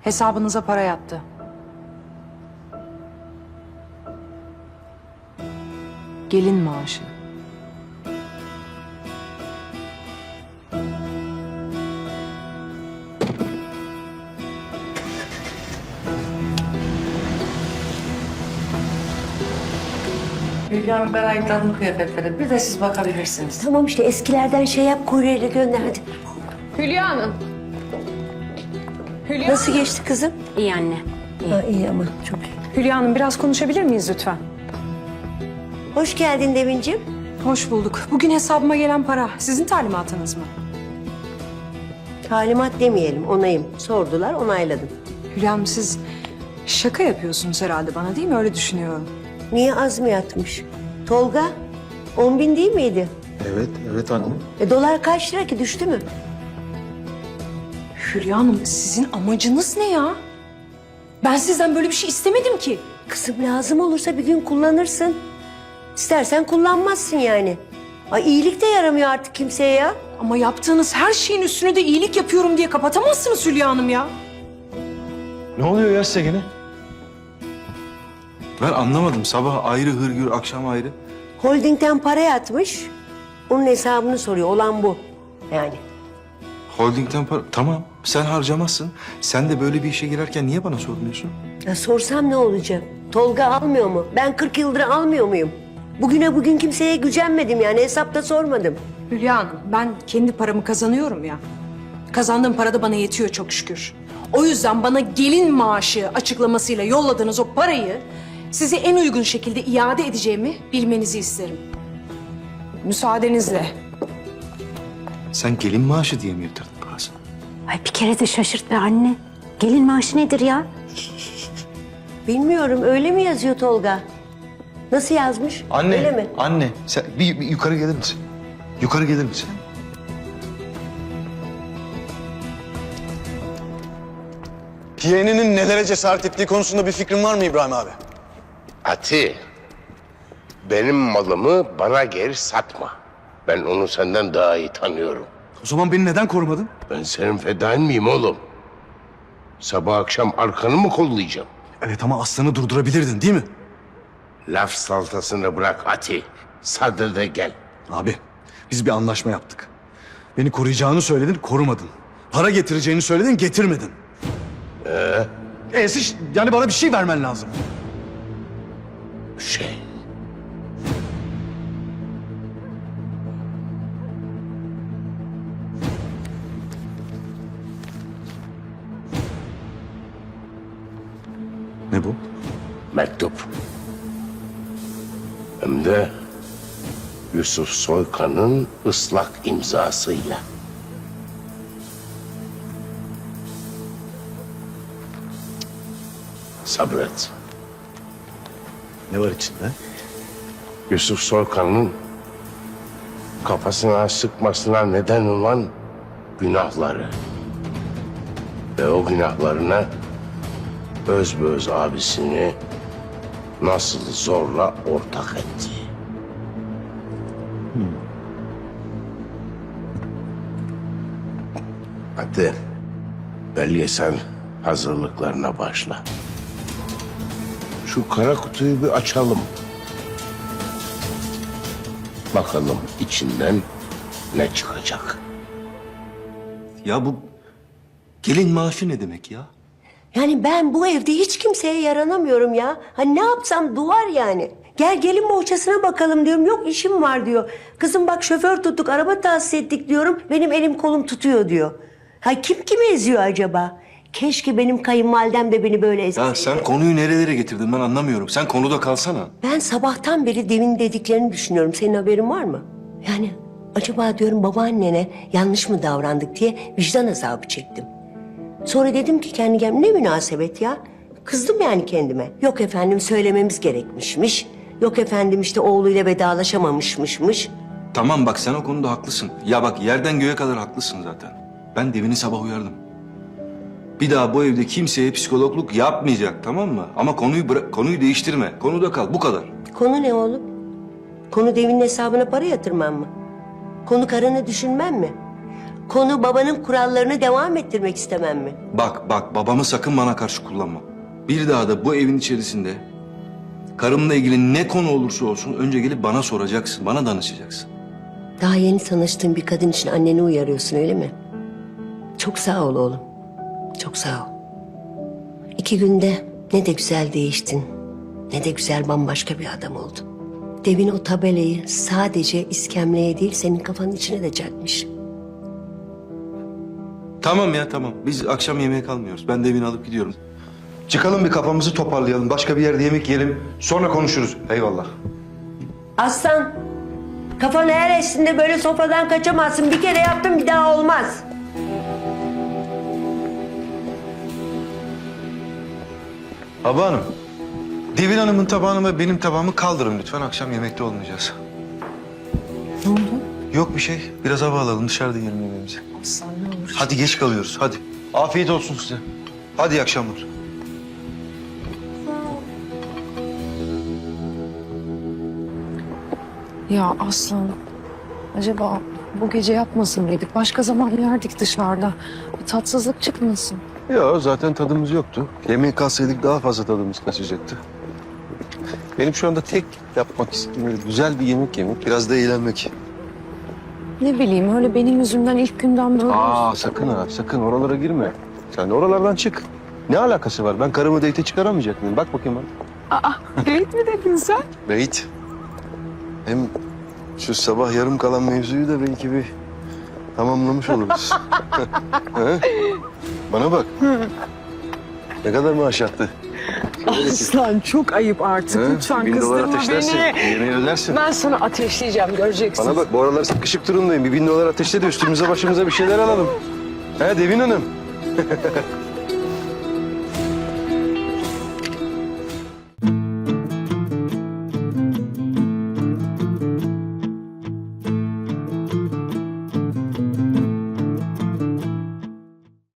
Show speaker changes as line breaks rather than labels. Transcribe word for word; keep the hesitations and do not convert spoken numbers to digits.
Hesabınıza para yattı. Gelin maaşı.
Hülya Hanım, ben ayıklandım kıyafetlere. Bir de siz bakabilirsiniz.
Tamam işte eskilerden şey yap, kuryeyle gönder hadi.
Hülya Hanım. Hülya
Nasıl geçti kızım?
İyi anne.
Ha, iyi ama çok iyi.
Hülya Hanım, biraz konuşabilir miyiz lütfen?
Hoş geldin Devincim.
Hoş bulduk. Bugün hesabıma gelen para sizin talimatınız mı?
Talimat demeyelim, onayım. Sordular, onayladım.
Hülya Hanım, siz şaka yapıyorsunuz herhalde bana, değil mi? Öyle düşünüyorum.
Niye az mı yatmış? Tolga, on bin değil miydi?
Evet, evet anne.
E, dolar kaç lira ki, düştü mü?
Hülya Hanım, sizin amacınız ne ya? Ben sizden böyle bir şey istemedim ki.
Kızım lazım olursa bir gün kullanırsın. İstersen kullanmazsın yani. Ay iyilik de yaramıyor artık kimseye ya.
Ama yaptığınız her şeyin üstüne de iyilik yapıyorum diye kapatamazsınız Hülya Hanım ya.
Ne oluyor ya size gene? Ben anlamadım. Sabah ayrı hırgür, akşam ayrı.
Holdingden para yatmış. Onun hesabını soruyor. Olan bu. Yani.
Holdingden para... Tamam, sen harcamazsın. Sen de böyle bir işe girerken niye bana sormuyorsun?
Ya sorsam ne olacak? Tolga almıyor mu? Ben kırk yıldır almıyor muyum? Bugüne bugün kimseye gücenmedim yani. Hesapta sormadım.
Hülya Hanım, ben kendi paramı kazanıyorum ya. Kazandığım para da bana yetiyor çok şükür. O yüzden bana gelin maaşı açıklamasıyla yolladığınız o parayı size en uygun şekilde iade edeceğimi bilmenizi isterim. Müsaadenizle.
Sen gelin maaşı diye mi yatırdın parasını?
Ay bir kere de şaşırt be anne. Gelin maaşı nedir ya?
Bilmiyorum. Öyle mi yazıyor Tolga? Nasıl yazmış?
Anne,
Öyle mi?
anne. Sen bir, bir yukarı gelir misin? Yukarı gelir misin?
Yeğeninin nelere cesaret ettiği konusunda bir fikrin var mı İbrahim abi?
Ati, benim malımı bana geri satma. Ben onu senden daha iyi tanıyorum.
O zaman beni neden korumadın?
Ben senin fedain miyim oğlum? Sabah akşam arkanı mı kollayacağım?
Evet ama aslanı durdurabilirdin değil mi?
Laf saltasını bırak Ati. Sadede gel.
Abi biz bir anlaşma yaptık. Beni koruyacağını söyledin, korumadın. Para getireceğini söyledin, getirmedin. Ee? E'si yani bana bir şey vermen lazım.
Şey,
Ne bu?
mektup. Hem de Yusuf Soykan'ın ıslak imzasıyla. Sabret.
Ne var içinde?
Yusuf Soykan'ın kafasına sıkmasına neden olan günahları. Ve o günahlarına özbeöz abisini nasıl zorla ortak etti. Hadi belgesel hazırlıklarına başla. Şu kara kutuyu bir açalım. Bakalım içinden ne çıkacak.
Ya bu gelin maaşı ne demek ya?
Yani ben bu evde hiç kimseye yaranamıyorum ya. Hani ne yapsam duvar yani. Gel gelin bohçasına bakalım diyorum. Yok işim var diyor. Kızım bak şoför tuttuk, araba tahsis ettik diyorum. Benim elim kolum tutuyor diyor. Ha kim kimi eziyor acaba? Keşke benim kayınvalidem de beni böyle ezseydi.
Ya sen konuyu nerelere getirdin ben anlamıyorum. Sen konuda kalsana.
Ben sabahtan beri Devin dediklerini düşünüyorum. Senin haberin var mı? Yani acaba diyorum babaannene yanlış mı davrandık diye vicdan azabı çektim. Sonra dedim ki kendi kendime ne münasebet ya. Kızdım yani kendime. Yok efendim söylememiz gerekmişmiş. Yok efendim işte oğluyla vedalaşamamışmışmış.
Tamam bak sen o konuda haklısın. Ya bak yerden göğe kadar haklısın zaten. Ben Devin'i sabah uyardım. Bir daha bu evde kimseye psikologluk yapmayacak tamam mı? Ama konuyu bıra- konuyu değiştirme. Konuda kal bu kadar.
Konu ne oğlum? Konu Devin'in hesabına para yatırmam mı? Konu karını düşünmem mi? Konu babanın kurallarını devam ettirmek istemem mi?
Bak bak babamı sakın bana karşı kullanma. Bir daha da bu evin içerisinde karımla ilgili ne konu olursa olsun önce gelip bana soracaksın, bana danışacaksın.
Daha yeni tanıştığın bir kadın için anneni uyarıyorsun öyle mi? Çok sağ ol oğlum. Çok sağ ol. İki günde ne de güzel değiştin. Ne de güzel bambaşka bir adam oldun. Devin o tabelayı sadece iskemleye değil senin kafanın içine de çakmış.
Tamam ya tamam. Biz akşam yemeğe kalmıyoruz. Ben de evini alıp gidiyorum. Çıkalım bir kafamızı toparlayalım. Başka bir yerde yemek yiyelim. Sonra konuşuruz. Eyvallah.
Aslan, kafanı her esinde böyle sofradan kaçamazsın. Bir kere yaptın bir daha olmaz.
Hava Hanım. Devin Hanım'ın tabağını ve benim tabağımı kaldırın lütfen. Akşam yemekte olmayacağız.
Ne oldu?
Yok bir şey. Biraz hava alalım. Dışarıda yiyelim yemeğimizi.
Aslan ne olur.
Hadi geç kalıyoruz. Hadi. Afiyet olsun size. Hadi iyi akşamlar.
Ya Aslan, acaba bu gece yapmasın mıydık? Başka zaman yerdik dışarıda. Bir tatsızlık çıkmasın.
Yok zaten tadımız yoktu. Yemeğe kalsaydık daha fazla tadımız kaçacaktı. Benim şu anda tek yapmak istediğim böyle güzel bir yemek yemek, biraz da eğlenmek.
Ne bileyim öyle benim yüzümden ilk günden böyle...
Aa sakın ha, sakın oralara girme. Sen oralardan çık. Ne alakası var? Ben karımı date'e çıkaramayacak mıyım? Bak bakayım bana.
Aa, date mi dedin sen?
Date. Hem şu sabah yarım kalan mevzuyu da belki bir tamamlamış oluruz. He? Bana bak. Ne kadar maaş attı?
Aslan çok ayıp artık.
He?
Lütfen
Bin dolar
kızdırma
ateşlersin.
beni.
Yemeği ödersin.
Ben sana ateşleyeceğim göreceksin.
Bana bak bu aralar sıkışık durumdayım. Bir bin dolar ateşle de üstümüze başımıza bir şeyler alalım. He Devin Hanım.